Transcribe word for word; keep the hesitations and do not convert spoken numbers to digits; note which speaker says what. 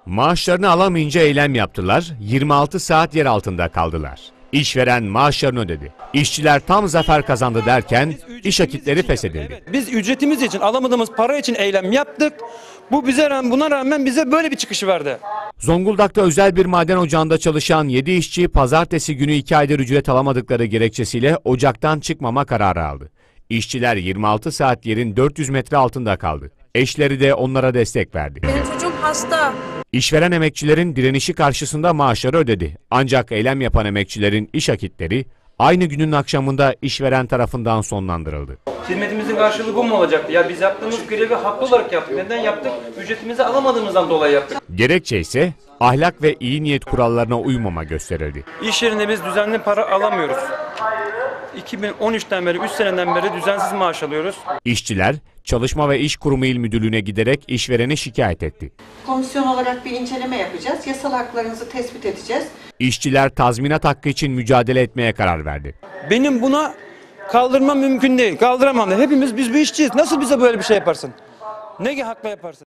Speaker 1: Maaşlarını alamayınca eylem yaptılar, yirmi altı saat yer altında kaldılar. İşveren maaşlarını ödedi. İşçiler tam zafer kazandı derken iş akitleri feshedildi.
Speaker 2: Biz ücretimiz için, alamadığımız para için eylem yaptık. Bu bize rağmen, buna rağmen bize böyle bir çıkışı verdi.
Speaker 1: Zonguldak'ta özel bir maden ocağında çalışan yedi işçi pazartesi günü iki aydır ücret alamadıkları gerekçesiyle ocaktan çıkmama kararı aldı. İşçiler yirmi altı saat yerin dört yüz metre altında kaldı. Eşleri de onlara destek verdi.
Speaker 3: Benim çocuğum hasta.
Speaker 1: İşveren emekçilerin direnişi karşısında maaşları ödedi. Ancak eylem yapan emekçilerin iş akitleri aynı günün akşamında işveren tarafından sonlandırıldı.
Speaker 2: Hizmetimizin karşılığı bu mu olacaktı? Ya biz yaptığımız grevi haklı olarak yaptık. Neden yaptık? Ücretimizi alamadığımızdan dolayı yaptık.
Speaker 1: Gerekçe ise ahlak ve iyi niyet kurallarına uymama gösterildi.
Speaker 2: İş yerinde biz düzenli para alamıyoruz. iki bin on üçten beri, üç seneden beri düzensiz maaş alıyoruz.
Speaker 1: İşçiler, Çalışma ve İş Kurumu İl Müdürlüğü'ne giderek işverene şikayet etti.
Speaker 4: Komisyon olarak bir inceleme yapacağız. Yasal haklarınızı tespit edeceğiz.
Speaker 1: İşçiler tazminat hakkı için mücadele etmeye karar verdi.
Speaker 2: Benim buna kaldırmam mümkün değil. Kaldıramam da. Hepimiz biz bir işçiyiz. Nasıl bize böyle bir şey yaparsın? Ne hakla yaparsın?